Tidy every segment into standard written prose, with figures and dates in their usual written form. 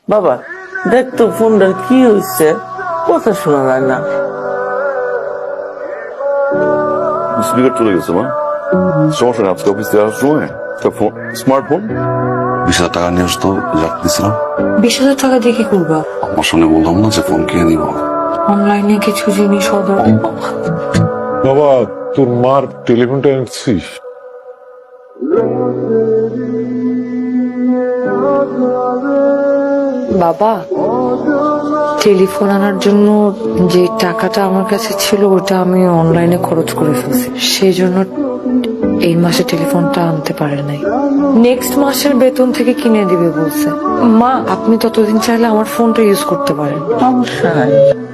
বাবা দেখ তো ফোনটার কি হয়েছে, কথা শোনা যায় না। স্পিকার চলে গেছে মা, সমস্যা নেই। আজকে অফিস থেকে আসার সময় একটা স্মার্টফোন 20,000 টাকা নিয়ে আসতো, রাখতেছিলাম। 20,000 টাকা দিয়ে কি করবা? আমার সামনে বললাম না যে ফোন কিনে দিব। অনলাইনে কিছু জিনিস অর্ডার। বাবা তোর মার টেলিফোনটা এনেছিস? বাবা, টেলিফোন আনার জন্য যে টাকাটা আমার কাছে ছিল ওটা আমি অনলাইনে খরচ করে ফেলছি, সেই জন্য এই মাসে টেলিফোনটা আনতে পারে নাই। নেক্সট মাসের বেতন থেকে কিনে দিবে বলছে। মা, আপনি ততদিন চাইলে আমার ফোনটা ইউজ করতে পারেন। সমস্যা নাই।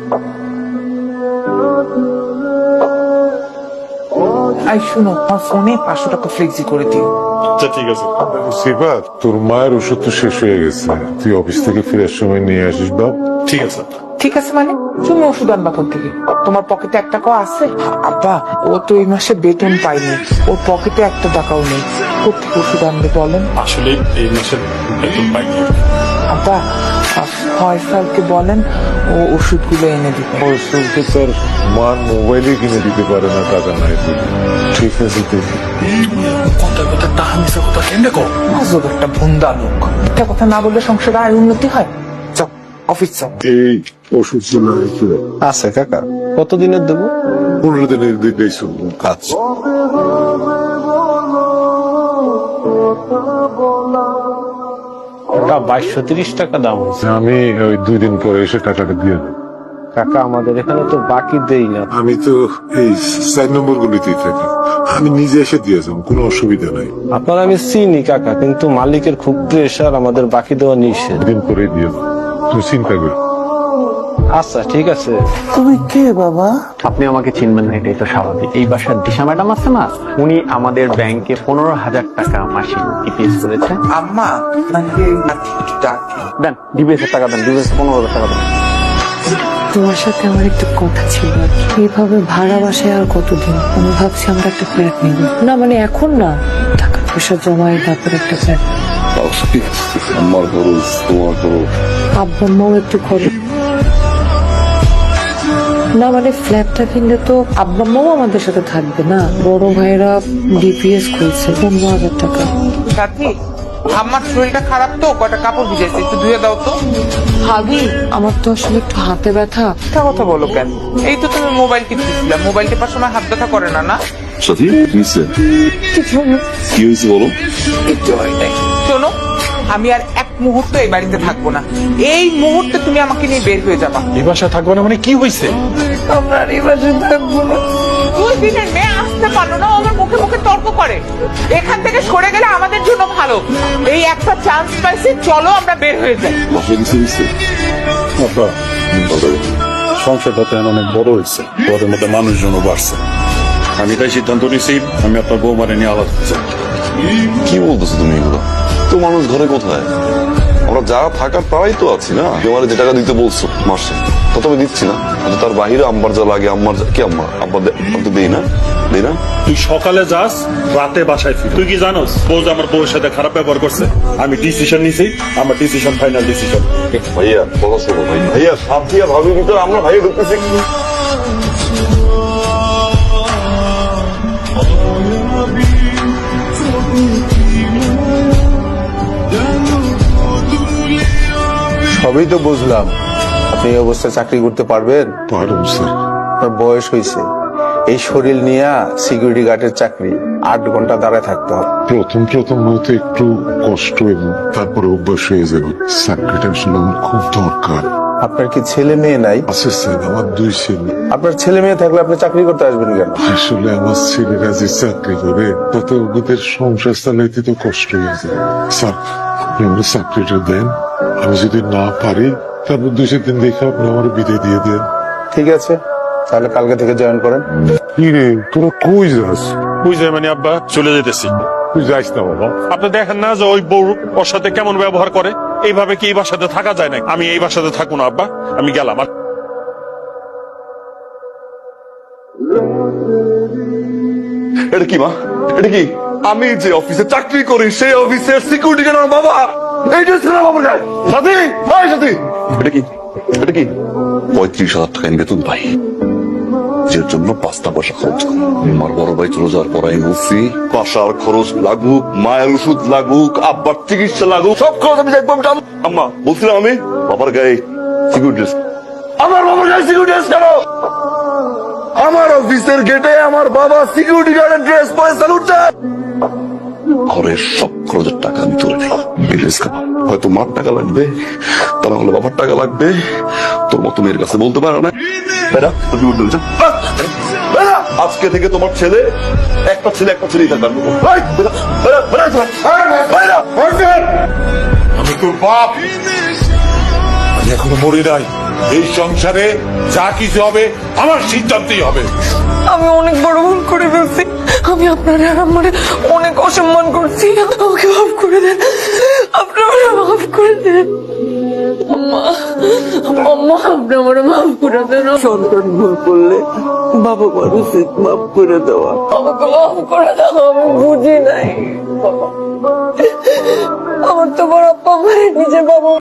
আই শুনো, আমার ফোনে 500 টাকা ফ্লেক্সি করে দিও। আচ্ছা ঠিক আছে। সেবা, তোর মায়ের ওষুধ তো শেষ হয়ে গেছে, তুই অফিস থেকে ফেরার সময় নিয়ে আসিস বাপ। ঠিক আছে। ঠিক আছে মানে তুমি ওষুধ আনবা কোথা থেকে? তোমার পকেটে 1 টাকাও আছে? আব্বা, ও তো এই মাসে বেতন পায়নি, ওর পকেটে 1 টাকাও নেই, কোথেকে ওষুধ আনবে বলেন? আসলে এই মাসের বেতন পাইনি। আব্বা, ফয়সালকে বলেন ও ওষুধগুলো এনে দিতে। ফয়সলকে তার মার মোবাইলে কিনে দিতে পারে না, টাকা নাই বলে। ঠিক আছে দেখি। কথা কথা টাকা মিশা কথা কেমনে কর? আজব একটা ভুন্দা লোক, একটা কথা না বললে সংসারে আয় উন্নতি হয়। যাও অফিস যাও। এই ওষুধ ছিল একটু আছে কাকা, কতদিনের দেবো? 15 দিনের দিকেই শুনবো কাজ। কাকা 2230 টাকা দাম হয়েছে। আমি ওই 2 দিন পরে এসে টাকাটা দিয়ে দেবো। কাকা আমাদের এখানে তো বাকি দেই না। আমি তো এই 4 নম্বর গুলিতেই থাকি, আমি নিজে এসে দিয়ে যাবো, কোনো অসুবিধা নাই। আপনার আমি চিনি কাকা, কিন্তু মালিকের খুব প্রেশার, আমাদের বাকি দেওয়া নিষেধ। দিন করে দিয়ে দেবো, তুমি চিন্তা করো। আচ্ছা ঠিক আছে। তুমি কে বাবা? আপনি আমাকে চিনবেন না, এটাই তো স্বাভাবিক। এই বাসার দিশা ম্যাডাম আছে না, উনি আমাদের ব্যাংকে 15,000 টাকা মাসিক ডিপিএস করেছে। আম্মা নাকি ডাকে? দেন ডিপিএস এর টাকা দেন, ডিপিএস 15,000 টাকা দেন। তোমার সাথে আমার একটা কথা ছিল আর কি। এইভাবে ভাড়া বাসায় আর কতদিন? আমি ভাবছি আমরা একটা ফ্ল্যাট নিব। না মানে এখন না, টাকা পয়সা জমায় তারপর একটা ফ্ল্যাট। আমার খরচ, তোমার খরচ। আব্বা আম্মাও একটু খরচ। না মানে ফ্ল্যাটটা কিনলে তো আব্বা আম্মাও আমাদের সাথে থাকবে না। বড় ভাইরা ডিপিএস খুলছে 15,000 টাকা। সাথী, আমার শরীরটা খারাপ তো, কয়টা কাপড় ভিজেছে, একটু ধুয়ে দাও তো। ভাবি, আমার তো আসলে একটু হাতে ব্যথা। মিথ্যা কথা বলো কেন? এই তো তুমি মোবাইল টিপতেছিলা, মোবাইল টিপার সময় হাত ব্যথা করে না? না সাথী কি হয়েছে? কি হয়েছে বলো? কিচ্ছু হয় নাই। শোনো, আমি আর 1 মুহূর্ত এই বাড়িতে থাকবো না। এই মুহূর্তে তুমি আমাকে নিয়ে বের হয়ে যাবা। এই বাসায় থাকবো না মানে কি হয়েছে? আমরা আর এই বাসায় থাকবো না। 2 দিনের মেয়ে আসতে পারলো না, ও আমার মুখে মুখে তর্ক করে। এখান থেকে সরে গেলে আমাদের জন্য ভালো। এই একটা চান্স পাইছি, চলো আমরা বের হয়ে যাই। বাসায় কিছু হয়েছে? আব্বা, সংসারটা তো এখন অনেক বড় হয়েছে, ওদের মধ্যে মানুষজনও বাড়ছে। আমি তাই সিদ্ধান্ত নিয়েছি আমি আপনার বৌমারে নিয়ে আলাদা হতে চাই। কি বলতেছো তুমি এগুলো? তো মানুষ ঘরে কোথায়? আমরা যা থাকার তারাই তো আছি না। তোমার যে টাকা দিতে বলছো মাসে, তা তো আমি দিচ্ছি না। কিন্তু তার বাহিরে আম্মার যা লাগে, আম্মার কি আব্বা তো দেই না, দেই না। তুই সকালে যাস, রাতে বাসায় ফির। তুই কি জানোস বউ যে আমার বউয়ের সাথে খারাপ ব্যবহার করছে? আমি ডিসিশন নিছি, আমার ডিসিশন ফাইনাল ডিসিশন। ভাইয়া কথা শোনো ভাই, ভাইয়া সাথী আর ভাবির ভিতরে আমরা ভাইয়া ঢুকতেছি। সবই তো বুঝলাম, আপনি এই অবস্থায় চাকরি করতে পারবেন? পারুম স্যার। আপনার বয়স হয়েছে, এই শরীর নিয়ে সিকিউরিটি গার্ডের চাকরি 8 ঘন্টা দাঁড়ায় থাকতে হবে। প্রথম হয়তো একটু কষ্ট, এবং তারপরে অভ্যাস হয়ে যাবে। চাকরিটা আসলে আমার খুব দরকার। আপনার কি ছেলে মেয়ে নাই? আছে স্যার, আমার 2 ছেলে। আপনার ছেলে মেয়ে থাকলে আপনি চাকরি করতে আসবেন কেন? আসলে আমার ছেলেরা যে চাকরি করে তাতে ওদের সংসার চালাইতে তো কষ্ট হয়ে যায়। স্যার আপনি আমার চাকরিটা দেন, আমি যদি না পারি তারপর 2 দিন দেখে আপনি আমার বিদায় দিয়ে দেন। ঠিক আছে, তাহলে কালকে থেকে জয়েন করেন। কি রে, তোরা কই যাস? বুঝলে মানে আব্বা, চলে যেতেছি। তুই যাইস না বাবা। আপনি দেখেন না যে ওই বউ ওর সাথে কেমন ব্যবহার করে? এইভাবে কি এই বাসাতে থাকা যায় না? আমি এই বাসাতে থাকবো না আব্বা, আমি গেলাম। এটা কি মা? এটা কি? আমি যে অফিসে চাকরি করি সেই অফিসের সিকিউরিটি গার্ড আমার বাবা। এই ড্রেস কেন বাবার গায়ে? সাথী, ভাই সাথী, এটা কি? এটা কি? 35,000 টাকা ইন বেতন পাই, যে জন্য 5টা পয়সা খরচ করি। আমার বড় ভাই চলে যাওয়ার পর আমি বলছি বাসার খরচ লাগুক, মায়ের ওষুধ লাগুক, আব্বার চিকিৎসা লাগুক, সব খরচ আমি দেখবো। আম্মা বলছিলাম আমি বাবার গায়ে সিকিউরিটি ড্রেস। আমার বাবার গায়ে সিকিউরিটি ড্রেস কেন? আমার অফিসের গেটে আমার বাবা সিকিউরিটি গার্ডের ড্রেস পরে স্যালুট দেয়। ঘরের সব খরচের টাকা আমি তুলে নেই। এই ড্রেস খাবো, হয়তো মার টাকা লাগবে, তা না হলে বাবার টাকা লাগবে। তোর মতো মেয়ের কাছে বলতে পারো না। বেড়া, তুই উঠে যা। বেড়া, আজকে থেকে তোমার ছেলে একটা ছেলেই থাকবে। এই, বেড়া, বেড়া, বেড়া, বেড়া, বেড়া। আমি তোর বাপ, আমি এখনো মরি নাই। এই সংসারে যা কিছু হবে আমার সিদ্ধান্তই হবে। আমি অনেক বড় ভুল করে ফেলছি। আমি আপনার আর আমার অনেক অসম্মান করছি। আমাকে মাফ করে দেন, আপনারা মাফ করে দেন। আম্মা, আম্মা, আপনি আমার মাফ করে দেন। সন্তান ভুল করলে বাবা মার উচিত মাফ করে দেওয়া। আমাকে মাফ করে দাও, আমি বুঝি নাই। আমার তো বড় আপ্পা আমার নিজের বাবা